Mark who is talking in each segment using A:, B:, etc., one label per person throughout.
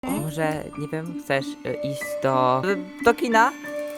A: Może, nie wiem, chcesz iść do kina?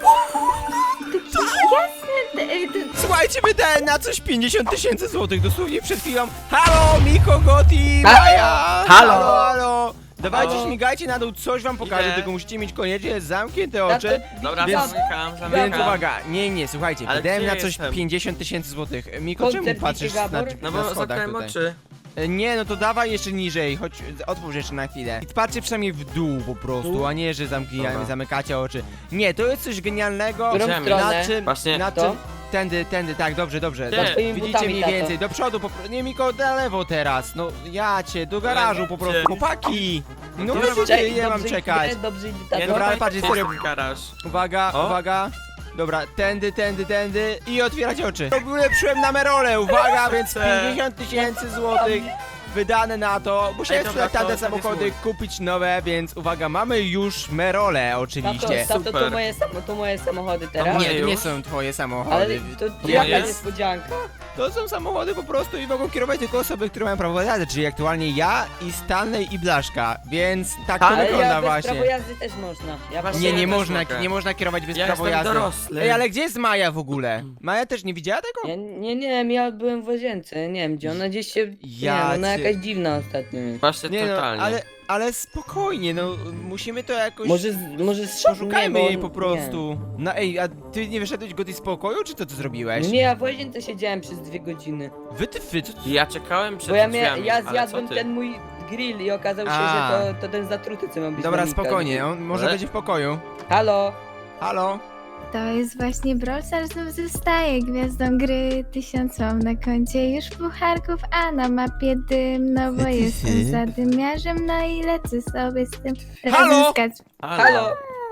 B: Słuchajcie, wydałem na coś 50 000 złotych dosłownie przed chwilą. Halo, Miko, Goti, Maja! Halo! Dawajcie,
C: Halo?
B: śmigajcie na dół, coś wam pokażę,
C: Idę.
B: tylko musicie mieć koniecznie zamknięte oczy.
C: Dobra,
B: Więc-
C: zamykam.
B: Więc uwaga, nie, słuchajcie,
C: Ale
B: wydałem
C: gdzie
B: na coś
C: jestem?
B: 50 000 złotych. Miko, czemu
D: Koncert
B: patrzysz
D: Wiki
B: na,
D: Gabor?
C: No
B: na
C: bo
B: schodach
C: zamknąłem
B: tutaj?
C: oczy.
B: Nie, no to dawaj jeszcze niżej, chodź, otwórz jeszcze na chwilę. I patrzcie przynajmniej w dół po prostu, a nie, że
C: Dobra.
B: zamykacie oczy. Nie, to jest coś genialnego,
D: Którą
C: Idziemy.
D: stronę?
B: na czym,
C: Właśnie.
B: na
D: To?
B: czym, tędy, tak, dobrze.
C: Ty.
D: Twoimi
B: Widzicie
D: butami,
B: mniej
D: tato.
B: więcej, do przodu, nie Miko, na lewo teraz, no jacie, do garażu po prostu,
C: Gdzie?
B: chłopaki! No
C: Dobrze,
B: wiecie, nie mam
D: dobrze
B: czekać.
D: idę, dobrze idę,
C: Nie,
D: tato.
B: Dobra, ale
C: no,
B: patrz,
C: jest
B: serio.
C: ten garaż.
B: Uwaga,
C: O.
B: uwaga. Dobra, tędy i otwierać oczy. Ulepszyłem na Merole, uwaga, więc 50 000 złotych wydane na to. Musiałem
C: Ej, dobra,
B: sprzedać tamte
C: to
B: samochody,
C: jest
B: kupić nowe, więc uwaga, mamy już Merole oczywiście.
D: Tato,
C: Super.
D: to moje samochody teraz.
C: Nie,
B: Nie, to nie
C: już?
B: są twoje
D: Ale
B: samochody.
D: to
C: Nie
D: jaka
C: jest?
D: niespodzianka.
B: To są samochody po prostu i mogą kierować tylko osoby, które mają prawo jazdy, czyli aktualnie ja i Stanley i Blaszka, więc tak to
C: Ale
D: Ale
B: wygląda
D: ja bez prawo
B: właśnie.
D: jazdy też można. Ja
C: Właśnie
B: Nie,
C: ja
B: nie
C: też
B: można,
C: mogę.
B: nie można kierować bez
C: Ja
B: prawa
C: jestem
B: jazdy.
C: dorosły.
B: Ej, ale gdzie jest Maja w ogóle? Maja też nie widziała tego?
D: Ja byłem w łazience, nie wiem gdzie, ona gdzieś się, nie
B: Ja
D: wiem, ona
B: cię-
D: jakaś dziwna ostatnio jest.
C: Właśnie
B: Nie no,
C: totalnie.
B: ale spokojnie, no musimy to jakoś...
D: Może
B: Poszukajmy
D: nie, bo
B: jej po
D: nie.
B: prostu. No ej, a ty nie wyszedłeś go z pokoju, czy to co zrobiłeś?
D: Nie, ja w łazience siedziałem przez 2 godziny.
B: Wytyfy, co ty...
C: Ja czekałem przed
D: Bo ja
C: drzwiami, ale
D: zjadłem
C: co ty?
D: ten mój grill i okazało się,
B: A.
D: że to ten zatruty, co miał być
B: Dobra,
D: na Mika.
B: spokojnie, on może
C: Ale-
B: będzie w pokoju.
D: Halo?
B: Halo?
E: To jest właśnie Brawl Stars znów zostaje gwiazdą gry. 1000 mam na koncie już pucharków, a na mapie dym. No bo jestem zadymiarzem, no i lecę sobie z tym
B: Halo?
E: razem skać.
D: Halo?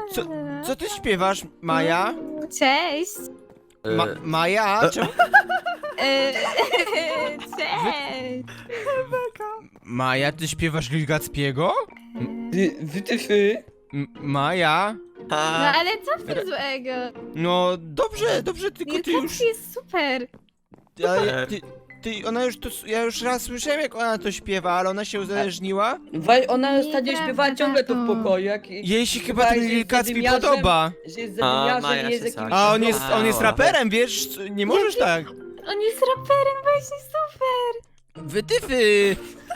B: Co ty śpiewasz, Maja?
E: Cześć!
B: Maja? Czemu?
E: Cześć!
B: Maja, ty śpiewasz Lil Gacpiego?
D: Wytyfy?
B: Maja?
E: No
C: A,
E: ale co w tym złego?
B: No dobrze, tylko
E: Nie,
B: ty
E: tak
B: już...
E: jest super!
B: Ale ona już to... Ja już raz słyszałem, jak ona to śpiewa, ale ona się uzależniła.
D: Ona ostatnio
E: Nieprawda,
D: śpiewała ciągle to w
E: tato.
D: pokoju,
B: Jej się chyba
D: Śpiewała,
B: ten
D: że
B: Lil
D: jest
B: Gacpi
D: zadymiarzem,
B: podoba.
D: Że jest
C: A,
D: zadymiarzem
C: Maja
D: i jest
C: się
D: jakimś...
C: sali.
B: A
C: A,
B: on jest
C: dobra.
B: raperem, wiesz? Nie możesz tak.
E: On jest raperem, właśnie super!
B: Wytyfy!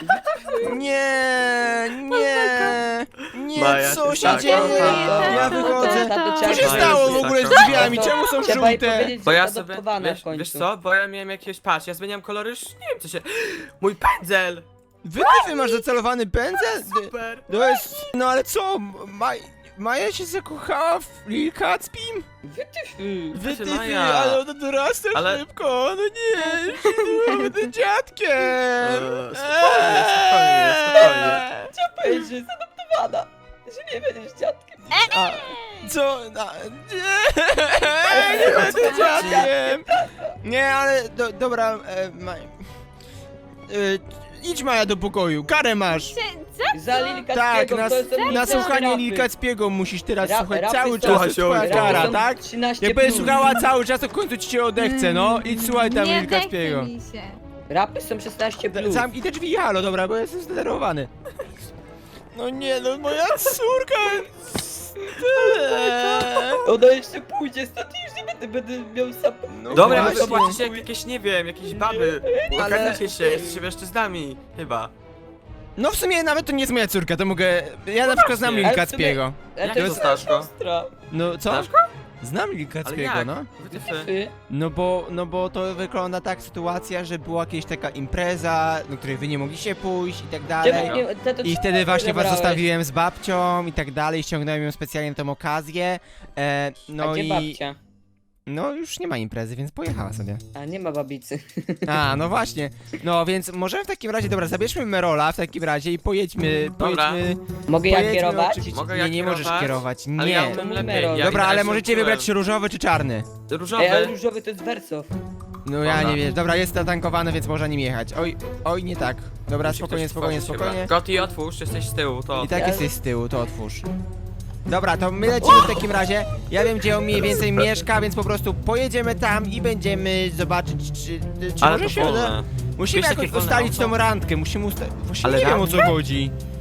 B: Nie,
C: Maja,
B: co
C: ty
B: się
C: tak,
B: dzieje?
E: tak,
B: Ja
E: tak,
B: wychodzę.
E: tak.
B: Co się
C: Maja,
B: stało
C: ty
B: w ogóle
C: tak,
B: z drzwiami?
D: tak.
B: Czemu są
D: Trzeba jej
B: żółte?
D: powiedzieć,
C: Bo
D: że
C: ja
D: jest
C: sobie,
D: adoptowana w końcu.
C: wiesz co, bo ja miałem jakiegoś, patrz, ja zmieniam kolory, już nie wiem co się... Mój pędzel!
B: Wytyfy, masz zacelowany pędzel?
C: Super!
B: To jest... No ale co? Maja się zakochała w Lil Kacpim?
D: Wytyfy.
B: Wytyfy,
C: Maja.
B: ale ona dorasta
C: Ale-
B: szybko, no nie, już nie będę dziadkiem.
C: Spokojnie.
D: Chciałam powiedzieć, że jest adoptowana. Że nie będziesz dziadkiem.
B: A, co? Nie będę dziadkiem. Nie, ale dobra, idź Maja do pokoju, karę masz.
D: Za Lil
B: Tak,
D: Kacpiego, to są
B: na
D: nic
B: słuchanie
D: rapy.
B: Lil Kacpiego musisz teraz
D: Rap-
B: słuchać
D: rapy
B: cały
D: są-
B: czas, to jest twoja
C: Rapy
B: kara,
D: są
B: tak?
D: 13
B: Jak będziesz
D: plus.
B: słuchała cały czas, to w końcu ci się odechce, no. Idź słuchaj tam
E: Nie
B: Lil Kacpiego.
E: odechce mi się.
D: Rapy są 16 plus.
B: Zamknij te drzwi, halo, dobra, bo jestem zdenerwowany. No nie, no moja córka...
D: Ona jeszcze pójdzie stąd i już nie będę miał sam...
B: No
C: Dobra, wy
B: właśnie.
C: zobaczycie jak jakieś, nie wiem, jakieś baby. Pokażecie się, jesteście mężczyznami, chyba.
B: No w sumie nawet to nie jest moja córka, to mogę... Ja na przykład znam Lil
D: Ale w sumie-
B: Kacpiego.
D: Ale
C: Jak
D: to
C: to
D: jest
C: znasz go?
D: siostra.
B: No co?
C: Znasz go?
B: Znam Lil
C: Ale
B: Kacpiego,
C: jak?
B: no.
C: Wytyfy.
D: Wytyfy.
B: No bo to wygląda tak sytuacja, że była jakaś taka impreza, do której wy nie mogliście pójść i tak dalej.
D: Czemu nie- to
B: I
D: czemu
B: wtedy
D: nie
B: właśnie was
D: zabrałeś?
B: zostawiłem z babcią i tak dalej, ściągnąłem ją specjalnie na tą okazję.
D: A
B: No
D: gdzie
B: i...
D: babcia?
B: No już nie ma imprezy, więc pojechała sobie.
D: A nie ma babicy.
B: A, no właśnie. No więc możemy w takim razie, dobra, zabierzmy Merola w takim razie i pojedźmy,
C: Dobra.
D: Mogę ja
B: pojedźmy
D: kierować?
B: oczywiście-
C: Mogę ja
B: nie możesz
C: kierować?
B: kierować,
C: Ale ja
B: nie.
C: umiem
D: To
C: lepiej.
D: numer.
C: Ja
B: Dobra, ale
C: widać,
B: możecie
C: że
B: wybrać
C: czułem.
B: czy różowy czy czarny.
C: Różowy.
D: Ale różowy to jest Wersow.
B: No ja
C: Dobra.
B: nie wiem, dobra, jest zatankowany, więc można nim jechać. Oj, nie tak. Dobra,
C: Musi
B: spokojnie,
C: ktoś
B: spokojnie,
C: otworzyć
B: spokojnie.
C: chyba. Goti, otwórz, jesteś z tyłu, to...
B: I tak
D: Ja-
B: jesteś z tyłu, to otwórz. Dobra, to my lecimy w takim razie. Ja wiem, gdzie on mniej więcej mieszka, więc po prostu pojedziemy tam i będziemy zobaczyć, czy
C: Ale
B: może
C: to
B: się uda.
C: wolne.
B: Musimy
C: Wiesz,
B: jakoś
C: takie wolne
B: ustalić
C: auto?
B: tą randkę, musimy ustalić... Właśnie
C: Ale
B: nie wiem, o co
C: randkę?
B: chodzi.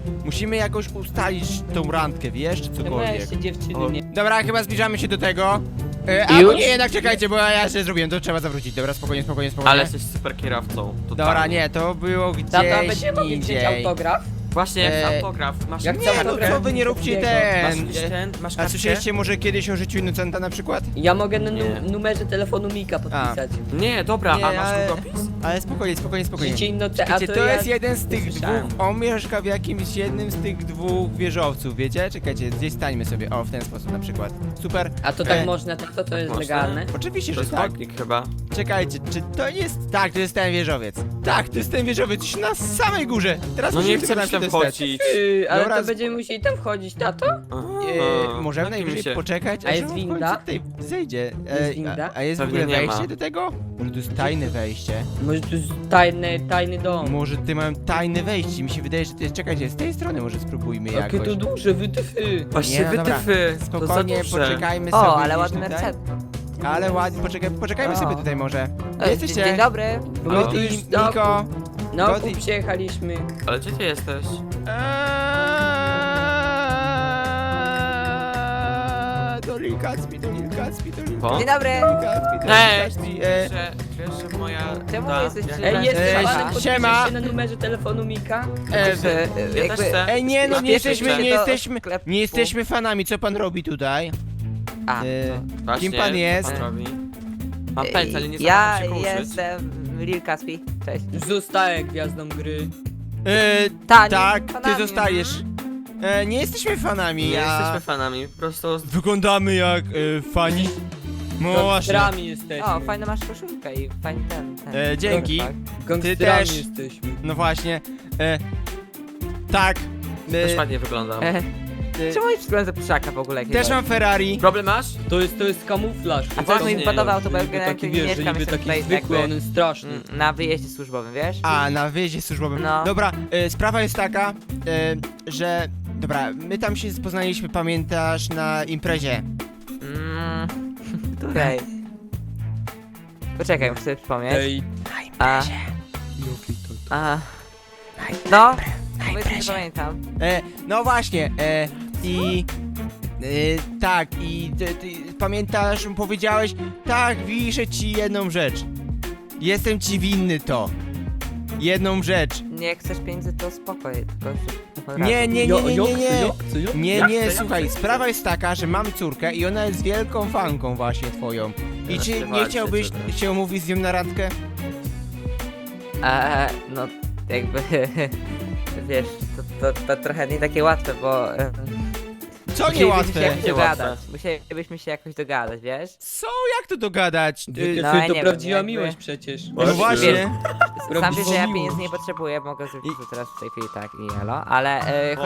B: Musimy jakoś ustalić tą randkę, wiesz, czy
D: No
B: cokolwiek.
D: weźcie dziewczyny, nie.
B: Dobra, chyba zbliżamy się do tego. Albo
D: Już?
B: nie, jednak czekajcie, bo ja się zrobiłem, to trzeba zawrócić. Dobra, spokojnie.
C: Ale jesteś super kierowcą.
B: Dobra, nie, to było
D: Tata,
B: gdzieś
D: będziemy mogli wziąć
B: indziej.
D: autograf?
C: Właśnie, jak
B: E,
C: autograf. Masz
D: jak
B: Nie, no
D: autograf?
B: co wy nie róbcie
C: Masz
B: ten.
C: jakiś ten? Masz
B: A
C: kartkę?
B: słyszeliście może kiedyś o życiu Innocenta na przykład?
D: Ja mogę na
C: Nie.
D: numerze telefonu Mika podpisać.
C: Nie, dobra,
B: Nie,
C: a masz
B: ale-
C: długopis?
B: Ale spokojnie.
D: Życie innoce, a
B: Wiecie, to
D: ja...
B: jest jeden z tych
C: słyszałem.
B: dwóch, on mieszka w jakimś jednym z tych dwóch wieżowców, wiecie? Czekajcie, gdzieś stańmy sobie, o, w ten sposób na przykład. Super.
D: A to tak
B: E,
D: można, to jest
C: Można?
D: legalne?
B: Oczywiście,
C: To
B: że
C: jest
B: tak.
C: chodnik chyba.
B: Czekajcie, czy to nie jest... Tak, to jest ten wieżowiec. Tak, to jest ten wieżowiec, już na samej górze. Teraz
C: No nie
B: musimy
C: chcę
B: tylko
C: mi tam
B: się dostać.
C: wchodzić.
D: Ale
B: Dobra,
D: to będziemy musieli tam wchodzić, tato?
B: Możemy
C: Napijmy
B: najwyżej
C: się.
B: poczekać,
D: A jest
B: aż on w
D: winda?
B: końcu tutaj zejdzie.
D: Jest winda?
B: A jest w
C: Pewnie
B: ogóle
C: nie
B: wejście
C: ma.
B: do tego? Może to jest tajne wejście?
D: Może to jest tajny dom.
B: Może ty mają tajne wejście, mi się wydaje, że to jest... Czekajcie, z tej strony może spróbujmy
D: Jakie
B: jakoś.
D: to duże, wytyfy.
C: Właśnie
B: Nie, no dobra.
C: wytyfy. To za
B: Spokojnie,
C: duże.
B: poczekajmy sobie
A: O, ale
B: gdzieś
A: ładny
B: tutaj.
A: Mercedes.
B: Ale ładnie, poczekajmy
A: O.
B: sobie tutaj może.
A: Dzień
B: Jesteście?
A: dobry.
D: Bo my tu
B: Goti,
D: już
B: Niko.
D: na
B: Goti.
D: okup przyjechaliśmy.
C: Ale gdzie ty jesteś?
B: Do Lil Gatsby.
C: Po?
A: Dzień dobry.
C: Ej,
B: Gatsby.
C: wiesz, że moja...
A: Czemu
C: ta-
A: jesteś
C: jak-
A: przy-
D: Ej, jest
A: Siema.
D: panem podpiszesz
B: Siema.
D: się na numerze telefonu Mika?
A: Że,
C: Ja też chcę.
B: Ej, nie, no nie
C: Napiszcie
B: jesteśmy,
C: się.
B: nie jesteśmy,
A: sklepu.
B: nie jesteśmy fanami, co pan robi tutaj?
A: A,
B: E,
C: Właśnie,
B: Kim pan jest?
C: co Pan robi? Mam pędzel, ale nie
A: ja
C: zamierzam się uczyć.
A: jestem Lil Caspi. Cześć.
D: Zostaję gwiazdą gry.
A: Ta, nie
B: Tak,
A: jestem
B: ty
A: fanami.
B: zostajesz. Nie jesteśmy fanami,
C: Nie
B: ja...
C: jesteśmy fanami, po prostu...
B: Wyglądamy jak fani. No właśnie.
D: Gangsterami jesteśmy.
A: O, fajną masz koszulkę i fajny ten.
B: Dzięki.
A: Tak.
D: Gangsterami
B: też.
D: jesteśmy.
B: No właśnie. Tak.
C: Też ładnie wyglądam.
A: Czemu jest wygląda pszaka w ogóle?
B: Też mam Ferrari.
C: Problem masz?
D: To jest kamuflaż.
A: A co
C: Właśnie,
A: mi podobał, to
D: Że
A: był
D: niby taki, wiesz, że
A: mieszkam
D: niby
A: sobie
D: taki
A: tutaj
D: zwykły, on
A: jakby
D: jest straszny.
A: na wyjeździe służbowym, wiesz?
B: A, na wyjeździe służbowym.
A: No.
B: Dobra, sprawa jest taka, że... Dobra, my tam się poznaliśmy, pamiętasz, na imprezie.
A: Której? Poczekaj, muszę sobie przypomnieć.
D: Ej,
A: A, a, no, powiedzmy, że pamiętam.
B: No właśnie, i... tak, i ty pamiętasz, powiedziałeś, tak, wiszę ci jedną rzecz. Jestem ci winny to. Jedną rzecz.
A: Nie chcesz pieniędzy, to spokoj, tylko że...
B: Nie. Nie,
C: Jak
B: nie,
C: to,
B: słuchaj,
C: jak to?
B: sprawa jest taka, że mam córkę i ona jest wielką fanką właśnie twoją. I
C: Teraz
B: czy
C: się
B: nie
C: walczy,
B: chciałbyś
C: czy też?
B: się umówić z nią na randkę?
A: No, jakby, wiesz, to trochę nie takie łatwe, bo...
B: Co
A: musielibyśmy
B: niełatwe?
A: się jakoś
C: Niełatwe.
A: dogadać, musielibyśmy się jakoś dogadać, wiesz?
B: Co? Jak to dogadać?
D: Wytyfy
A: No, ja nie
D: to
A: wiem,
D: prawdziwa
A: jakby-
D: miłość przecież.
B: No właśnie.
A: Sam wiesz, że ja
D: miłość.
A: pieniędzy nie potrzebuję, mogę zrobić to teraz w tej chwili tak i elo, ale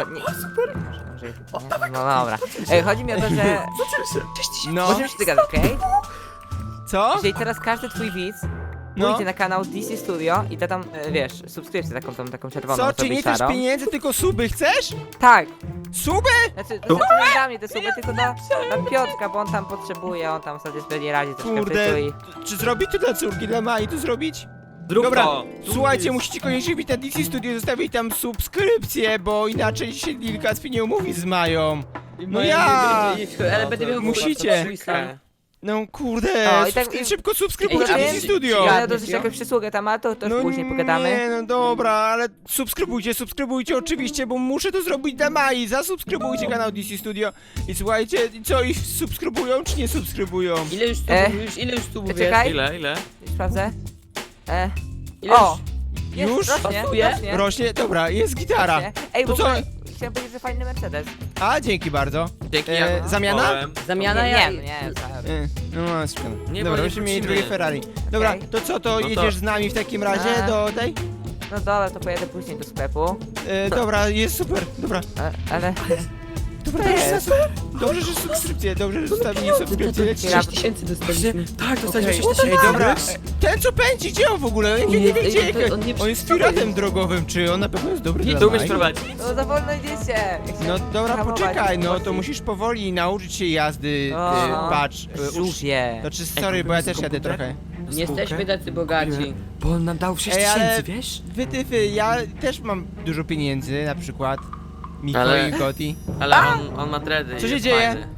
A: no dobra. Chodzi mi o to, że
B: No,
A: możemy się dogadać, okej?
B: co?
A: Jeżeli teraz każdy twój widz
B: No.
A: pójdzie na kanał DC Studio i da tam, wiesz, subskrypcję taką czerwoną,
B: Co? Czy
A: sobie
B: nie chcesz
A: szarą.
B: pieniędzy, tylko suby chcesz?
A: Tak,
B: Suby?
A: znaczy to nie dla mnie te suby, tylko dla Piotrka, bo on tam potrzebuje, on tam sobie nie radzi troszkę w
B: Kurde.
A: życiu i...
B: Czy zrobić to dla córki, dla Mai to zrobić?
C: Zrób
B: Dobra,
C: to.
B: słuchajcie, musicie koniecznie wbić na DC Studio, zostawić tam subskrypcję, bo inaczej się Lil Gatsby nie umówi z Mają. No ja!
D: Ale będę miał
B: Musicie.
D: swój sam.
B: No kurde,
A: O, i tak-
B: szybko subskrybujcie
A: Ej, a
B: DC
A: wiem,
B: Studio!
A: Ja dosyć jakąś przysługę tam, a to już później pogadamy.
B: Nie, no dobra, ale subskrybujcie oczywiście, bo muszę to zrobić dla Mai. Zasubskrybujcie kanał DC Studio i słuchajcie, co ich subskrybują czy nie subskrybują?
D: Ile już tu mówię?
A: Czekaj.
C: Ile?
A: Już sprawdzę.
D: Ile
A: O!
B: Już?
A: Rośnie,
D: Pasuje?
A: rośnie.
B: Rośnie? Dobra, jest gitara.
A: rośnie. Ej,
B: To
A: bo
B: co?
A: chciałem powiedzieć, że fajny Mercedes.
B: A, dzięki bardzo.
C: Dzięki,
B: zamiana?
C: kupowałem.
D: Zamiana
A: nie,
D: ja...
A: nie.
B: No, szkoda.
C: Nie,
B: Dobra,
C: bo nie
B: byśmy mieli
C: wrócimy.
B: drugie Ferrari. Dobra,
A: Okej.
B: to co, to
C: No to-
B: jedziesz z nami w takim razie
A: A.
B: do tej?
A: No dobra, to pojedę później do sklepu.
B: Dobra, jest super, dobra.
A: Ale...
B: Dobra,
A: To
B: dobrze,
A: jest.
B: super. Dobrze, że subskrypcję, dobrze, że zostawili subskrypcję.
D: 6000 dostaliśmy.
C: Tak, dostaliśmy
A: Okej.
C: 6
B: Ej,
C: tysięcy.
B: dobra, ten co pędzi, gdzie on w ogóle? Ja nie wiem, gdzie
D: on nie
B: on jest piratem drogowym, czy on na pewno jest dobry dla
C: Ty umiesz
B: Mai?
C: prowadzić.
A: No za wolno idziecie. Ja
B: No
A: chciałem
B: dobra,
A: hamować,
B: poczekaj, no to
A: wolniej.
B: musisz powoli nauczyć się jazdy,
A: O,
B: patrz.
A: Żółwie.
B: To czy sorry, bo ja też jadę
C: komputer?
B: trochę.
D: Nie jesteśmy tacy bogaci.
C: Bo on nam dał 6
B: Ej, ale-
C: tysięcy, wiesz?
B: Wytyfy, ja też mam dużo pieniędzy, na przykład. Miko
C: Ale-
B: i Goti.
C: Ale on ma dready.
B: Co
C: i
B: się
C: jest
B: dzieje?
C: fajny.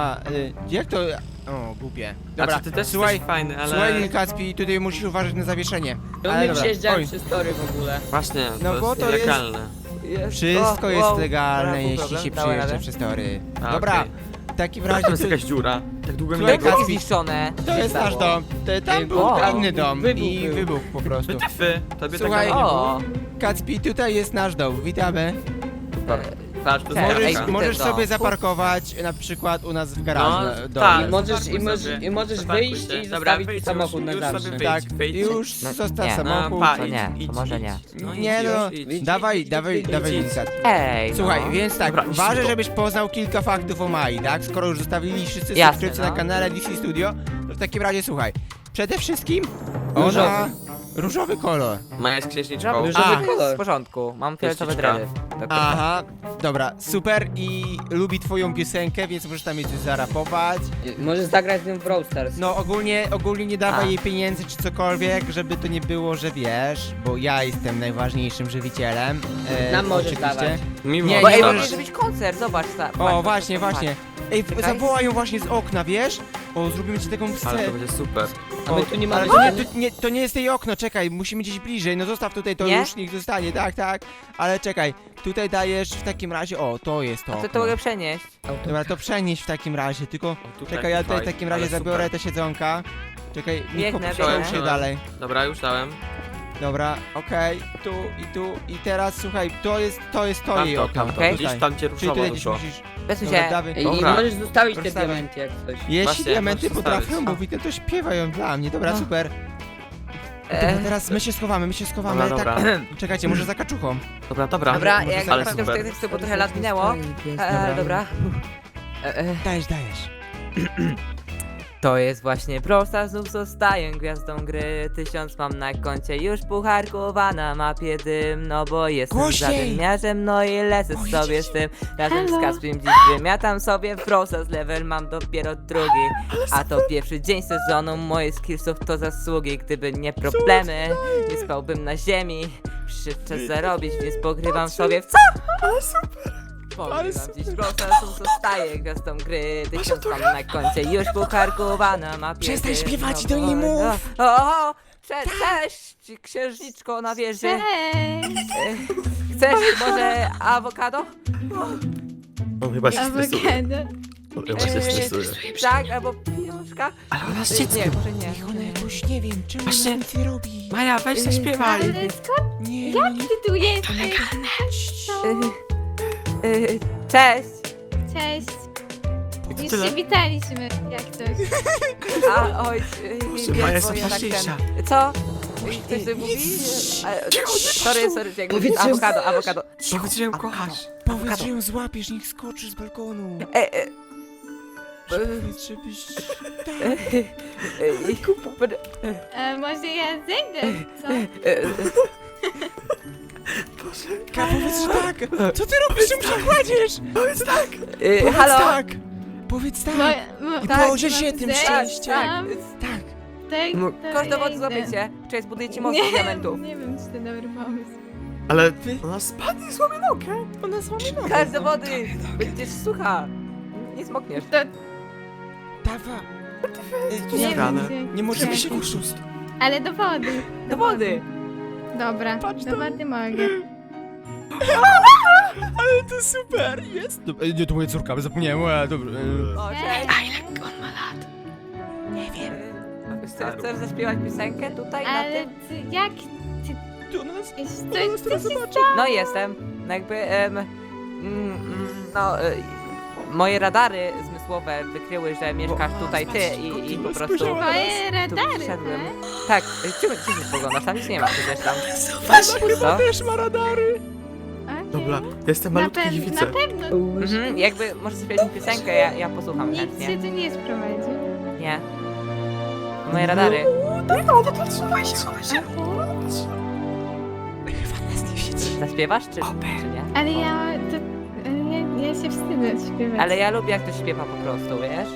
B: Jak to... O, głupie. Dobra,
C: Znaczy, ty też
B: słuchaj,
C: jesteś fajny, ale...
B: słuchaj Lil Kacpi, tutaj musisz uważać na zawieszenie.
D: To
B: Ale
D: my
B: dobra,
D: przejeżdżałem
B: oj.
D: przez tory w ogóle.
C: Właśnie,
B: No
C: to
B: bo
C: jest
B: to jest-
C: nielegalne.
B: Wszystko jest
A: wow.
B: legalne,
A: Dobra,
B: jeśli
A: problem,
B: się
A: dałem
B: przyjeżdża
A: radę.
B: przez tory.
C: A,
B: Dobra,
C: okej.
B: w takim
C: Tam
B: razie...
C: jest jakaś dziura. Tak długo mi
B: Słuchaj,
C: nie było.
A: Jest zniszczone.
B: To jest nasz dom. Tam był
A: O,
B: inny dom
D: wybuch
B: i
D: był.
B: wybuch po prostu.
C: Wytyfy, tobie
B: Słuchaj,
C: tak nie było.
A: O,
B: Kacpi, tutaj jest nasz dom, witamy.
C: Patrz, to
A: Cześć.
C: jest
A: Ej,
C: jaka.
B: Możesz
A: dom.
B: sobie zaparkować na przykład u nas w garażu.
C: No,
B: domu.
C: tak.
D: I możesz,
C: zaparkuj sobie.
D: i możesz
C: Zaparkuj
D: wyjść
C: się.
D: i
C: Dobra,
D: zostawić
C: wyjdź
D: samochód
C: już,
D: na
C: już
D: zawsze.
C: sobie
B: Tak,
C: wyjdź.
B: już
A: No,
B: zostaw
A: nie.
B: samochód.
C: pa,
A: to nie,
C: idź,
A: to może nie.
C: No,
B: Nie
C: idź,
B: no,
C: już, idź.
B: dawaj, dawaj, Likat.
A: Ej,
B: Słuchaj,
A: no.
B: więc tak,
C: Dobra,
B: ważne,
C: idź tu.
B: żebyś poznał kilka faktów o Mai, tak? Skoro już zostawili wszyscy
A: Jasne,
B: subskrypcje
A: no.
B: na kanale DC Studio, to w takim razie słuchaj. Przede wszystkim
D: Różowy.
B: ona... Różowy kolor.
C: Maja jest księżniczką.
A: Różowy
B: A.
A: kolor. W porządku, mam fioletowe
C: Kościczka.
A: dredy. Dokładnie.
B: Aha, dobra, super i lubi twoją piosenkę, więc możesz tam jej coś zarapować.
D: Możesz zagrać z nią w Brawl Stars.
B: No ogólnie nie dawaj
A: A.
B: jej pieniędzy czy cokolwiek, żeby to nie było, że wiesz, bo ja jestem najważniejszym żywicielem.
D: Nam możesz
B: oczywiście.
D: dawać.
C: Mimo
B: Nie,
A: Bo
B: nie
A: ej,
B: możesz-
A: może być koncert, zobacz.
B: O, właśnie, właśnie. Ej,
A: Czekaj.
B: zawołaj ją właśnie z okna, wiesz? O, zrobimy ci taką
C: Ale
B: scenę.
C: to będzie super.
D: A my tu nie mamy
B: ale
D: sceny?
B: to nie jest jej okno, czekaj, musimy gdzieś bliżej, no zostaw tutaj, to
A: Nie?
B: już niech zostanie, tak, tak. Ale czekaj, tutaj dajesz w takim razie, o, to jest to
A: A to
B: okno.
A: mogę przenieść.
B: Dobra, to przenieś w takim razie, tylko...
C: O, tutaj,
B: Czekaj, ja tutaj w
C: fajnie,
B: takim razie
C: ale
B: zabiorę
C: super.
B: te siedzonka. Czekaj, Niko,
A: Biegnę,
B: przełóż
A: biegnę.
B: się dalej.
C: Dobra, już dałem.
B: Dobra, okej, tu i teraz słuchaj, to jest jej
C: Tamto,
B: okno.
C: tamto.
A: Okej.
C: Widzisz, tam cię
B: Czyli
C: ruszowo
B: tutaj gdzieś
C: dużo.
B: musisz...
A: Przesuń
B: Dobra,
A: się.
B: dawaj.
D: I
C: Dobra.
D: możesz zostawić te
B: Zostawię.
D: diamenty jak coś.
B: Jeśli
C: Właśnie,
B: diamenty
C: możesz
B: potrafią
C: zostawić.
B: mówić, no to śpiewają dla mnie. Dobra,
A: No.
B: super.
A: E.
B: Dobra, teraz my się schowamy,
C: Dobra,
B: tak.
C: dobra.
B: Czekajcie, może za kaczuchą.
C: Dobra, dobra.
A: Dobra,
B: może
A: jak
B: zaraz
A: naprawdę
C: super.
A: już tego trochę lat minęło. Dobra.
B: Dajesz.
A: To jest właśnie Brawl Stars, znów zostaję gwiazdą gry. 1000 mam na koncie, już pucharków, a na mapie dym. No bo jestem
B: Głośniej!
A: zadymiarzem, no i lecę
B: O,
A: sobie
B: jedziesz.
A: z tym. Razem z
E: Halo?
A: Kaspim dziś wymiatam sobie w Brawl Stars, level mam dopiero drugi. A to pierwszy dzień sezonu, moje skillsów to zasługi. Gdyby nie problemy, nie spałbym na ziemi. Przyszedł czas zarobić, więc pogrywam sobie w co? Pogrywam dziś Brawl Stars, zostaję gwiazdą gry. 1000 mam na koncie, już pucharków, a na mapie
B: Przestań
A: dym.
B: śpiewać i
A: No
B: do niej
A: bo-
B: mów.
A: O, cześć, księżniczko na wieży.
E: Cześć!
A: Chcesz może awokado?
C: On chyba się stresuje.
E: Awokado.
C: On chyba się stresuje.
A: Tak, albo pieniążka?
C: Ale ona z
A: Nie,
C: dzieckiem.
A: może nie.
B: Niech ona jakoś, nie wiem, czemu
C: Właśnie-
B: nic nie robi.
C: Maja, weź zaśpiewaj.
E: Ale skąd
B: Nie,
E: ty tu jesteś?
A: Cześć.
E: Cześć! Już
C: tyle?
E: się witaliśmy, jak coś.
A: A, oj,
C: Maja
A: wiesz,
C: jest
A: bo ja tak
C: ważniejsza.
A: Co? Ktoś coś mówi? Sorry,
D: Powiedz, że-
A: awokado.
C: Powiedz, że ją kochasz.
B: Powiedz, że ją złapiesz, niech skoczy z balkonu. Powiedz, żebyś...
E: Może ja zejdę, co?
B: Powiedz, że tak. Co ty robisz, czym się kładziesz? Powiedz tak. Powiedz
A: Halo?
B: tak. Powiedz tak. I położę się tym szczęściem. Tak.
E: Tak,
C: No,
E: to
A: Kosz do wody
E: ja
A: złapię
E: idę.
A: cię. Cześć, zbuduję ci most z diamentów.
E: Nie wiem, czy to dobry pomysł.
C: Ale ona spadnie i złamie nogę.
B: Ona z wami ma.
A: Każ do wody. Będziesz sucha. Nie smokniesz.
E: To
B: Dawa.
E: nie
C: Zabrane.
E: wiem,
B: Nie możemy się
E: jak-
B: oszust.
E: Ale do wody.
A: Do wody.
E: Dobra,
B: Patrz
E: do
B: to.
E: wody mogę.
B: Ale to super, jest. Nie, to moja córka, zapomniałem. Dobra.
A: O, cześć.
E: A ile on ma lat?
B: Nie wiem.
A: Chcesz zaśpiewać piosenkę tutaj na
E: Ale
A: tym?
E: jak
B: Do nas.
E: coś się
A: No jestem. No jakby, moje radary zmysłowe wykryły, że mieszkasz tutaj ty i po prostu
E: Twoje
A: tu
E: radary,
A: wszedłem.
E: tak?
A: Tak, czym się spoglądasz? Tam nic nie ma przecież tam.
B: Kurwa
A: Co?
B: też ma radary.
E: Okej.
C: Dobra, jestem
E: Na,
C: malutki i
E: na
C: widzę.
E: pewno.
A: Mhm, jakby możesz zaśpiewać mi piosenkę, ja posłucham
E: Nikt
A: chętnie.
E: się tu nie sprowadzi.
A: Nie. Moje radary. Zaśpiewasz czy nie?
E: Ale ja się wstydzę śpiewać.
A: Ale ja lubię jak ktoś śpiewa po prostu, wiesz?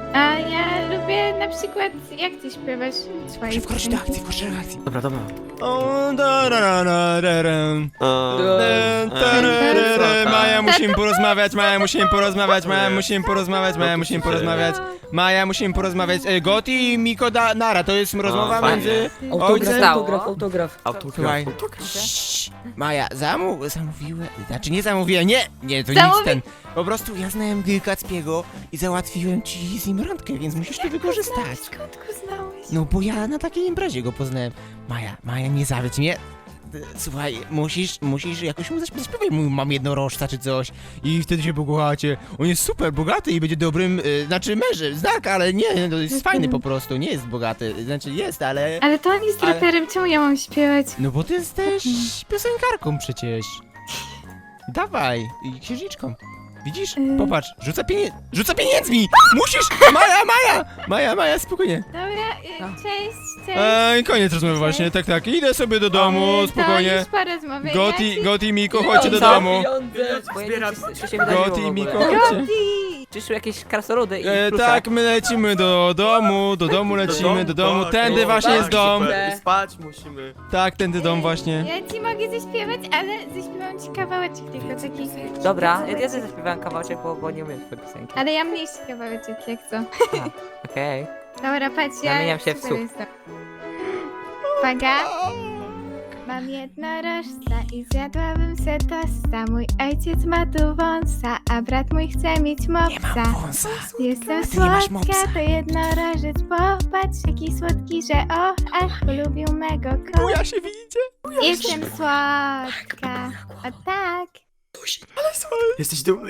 E: A ja lubię na przykład, jak ty śpiewasz swoje
B: Wkroczyć do akcji, wkroczyć do akcji.
C: Dobra, dobra.
B: O, da, ra, ra, ra, ra, ra.
C: Eee,
B: Maja, musimy porozmawiać, Maja, musimy porozmawiać, Maja, musimy porozmawiać, Maja, musimy porozmawiać. Maja, musimy porozmawiać. Goti i Miko Nara, to jest rozmowa
C: fajnie.
B: między
D: Autograf,
B: ojcem...
D: autograf.
B: Słuchaj.
C: Autograf.
B: Cii, Maja, zamówiłem, znaczy nie zamówiłem, nie, to nic
E: Zamówi-
B: ten. Po prostu ja znałem Kacpiego i załatwiłem ci z nim randkę, więc musisz to wykorzystać.
E: Skąd go znałeś?
B: No bo ja na takiej imprezie go poznałem. Maja, nie zawiedź mnie. Słuchaj, musisz jakoś mu zaśpiewać, mam jednorożca czy coś i wtedy się pokochacie. On jest super bogaty i będzie dobrym, znaczy mężem, znak, ale nie, to jest fajny po prostu, nie jest bogaty, znaczy jest, ale...
E: Ale to on jest
B: Ale-
E: raperem, czemu ja mam śpiewać?
B: No bo ty jesteś piosenkarką przecież. Dawaj, i księżniczką. Widzisz? Popatrz, rzuca pieniędzmi! Musisz! Maja, spokojnie.
E: Dobra, cześć.
B: Koniec rozmowy właśnie, tak, idę sobie do domu, spokojnie.
E: To już porozmawiaj.
B: Goti, Miko, chodźcie do domu.
A: Bo ja nie
C: Zbieram.
A: wiem, co się wydarzyło
B: Goti,
A: w ogóle.
B: Miko, chodźcie.
A: Przyszły jakieś krasnoludy i
B: Tak, my lecimy do domu lecimy, do domu. Tędy właśnie jest dom.
C: Super. Spać musimy.
B: Tak, tędy dom właśnie.
E: Ja ci mogę zaśpiewać, ale zaśpiewam ci kawałeczek tylko taki.
A: Dobra, ja też zaśpiewałem kawałeczek, bo nie umiem twojej piosenki.
E: Ale ja mniejszy kawałeczek, jak co.
A: Okej.
E: Dobra, patrz, ja
A: Zamieniam się w
E: super
A: słuch.
E: jestem. Uwaga. Mam jednorożca i zjadłabym se tosta. Mój ojciec ma tu wąsa, a brat mój chce mieć mopsa.
B: Wąsa.
E: Jestem
B: A ty nie masz mopsa.
E: słodka, to jednorożec. Popatrz, jaki słodki, że o, ach, polubił mego kota.
B: Buja się widzicie?
E: Jestem słodka. O tak.
C: Jesteś dumny,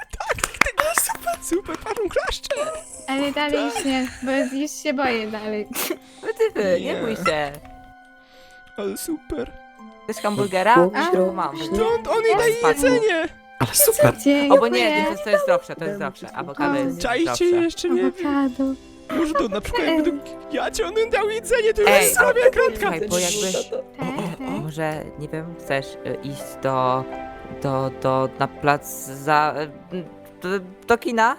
B: Super, panu klaszcze.
E: Ale dalej już nie, bo już się boję dalej.
A: Ty, nie
B: Nie.
A: bój się.
B: Ale super.
A: Chcesz hamburgera?
E: A,
A: Mam.
B: Stąd on jej daje jedzenie.
C: Ale super.
E: Dziękuję.
A: O, bo nie, to jest zdrowsze, to jest zdrowsze. Awokado jest
B: Czajcie
A: zdrowsze.
B: jeszcze, nie wiem.
E: Awokado.
B: Może to na przykład jakby to on dał jedzenie, to już
A: Ej,
B: jest słabia kratka.
A: Słuchaj, bo jakby...
E: Tak, tak.
A: Może, nie wiem, chcesz iść na plac do kina?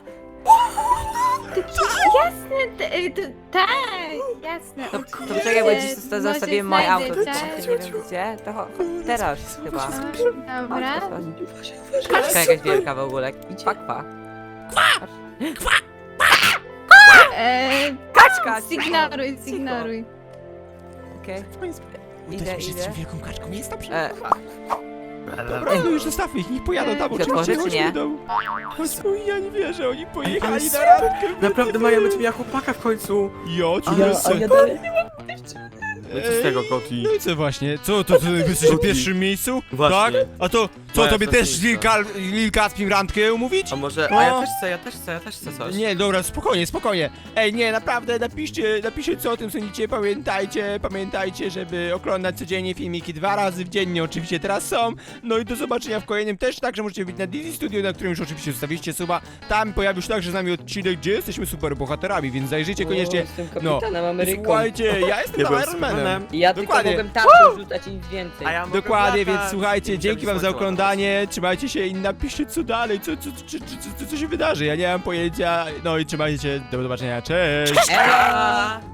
E: Jasne, tak, jasne.
A: To
E: oczywiście.
A: poczekaj, bo dziś
E: Może
A: zostawiłem moje
E: znajdę
A: auto.
E: czas.
A: Nie wiem gdzie, to teraz chyba.
E: Dobra.
A: Kaczka jakaś wielka w ogóle. Kwa. Kaczka!
E: Zignoruj.
A: Okej.
B: Idę,
A: Idę.
B: z wielką kaczką, jest dobrze.
C: Dobra.
B: No już zostawmy ich, niech pojadą tam,
A: Otworzy,
B: oczywiście,
A: czy
B: chodźmy
A: nie?
B: do domu. Chodźmy, ja nie wierzę, oni pojechali
C: Ale
B: na
C: super.
B: randkę.
C: Naprawdę Maja będzie miała chłopaka w końcu.
B: A
D: Ja dalej nie
C: No co z tego, Koti?
B: No i co właśnie? Co, to ty jesteś w pierwszym miejscu?
C: Właśnie.
B: Tak? A to, co,
C: Moja
B: tobie też
C: ostatnica.
B: Lil Kacpim randkę umówić?
C: A może...
B: O.
C: A ja też chcę coś.
B: Nie, dobra, spokojnie. Ej, nie, naprawdę, napiszcie co o tym sądzicie, pamiętajcie, żeby oglądać codziennie filmiki 2 razy dziennie, oczywiście teraz są. No i do zobaczenia w kolejnym też, także możecie wbić na Dizzy Studio, na którym już oczywiście zostawiliście suba. Tam pojawił się także z nami odcinek, gdzie jesteśmy super bohaterami, więc zajrzyjcie koniecznie.
D: Jestem kapitanem Ameryką.
B: Słuchajcie, ja jestem
C: Ja
B: tam
C: byłem
B: Iron Manem.
C: Supermanem.
D: Ja tylko
B: Dokładnie.
D: mogłem tarczę rzucać i nic więcej.
C: A ja mogę
B: Dokładnie,
C: latać.
B: więc słuchajcie,
C: I
B: dzięki wam za
C: słońce
B: oglądanie, trzymajcie się i napiszcie co dalej, co się wydarzy, ja nie mam pojęcia, no i trzymajcie się, do zobaczenia, cześć!
C: ładować.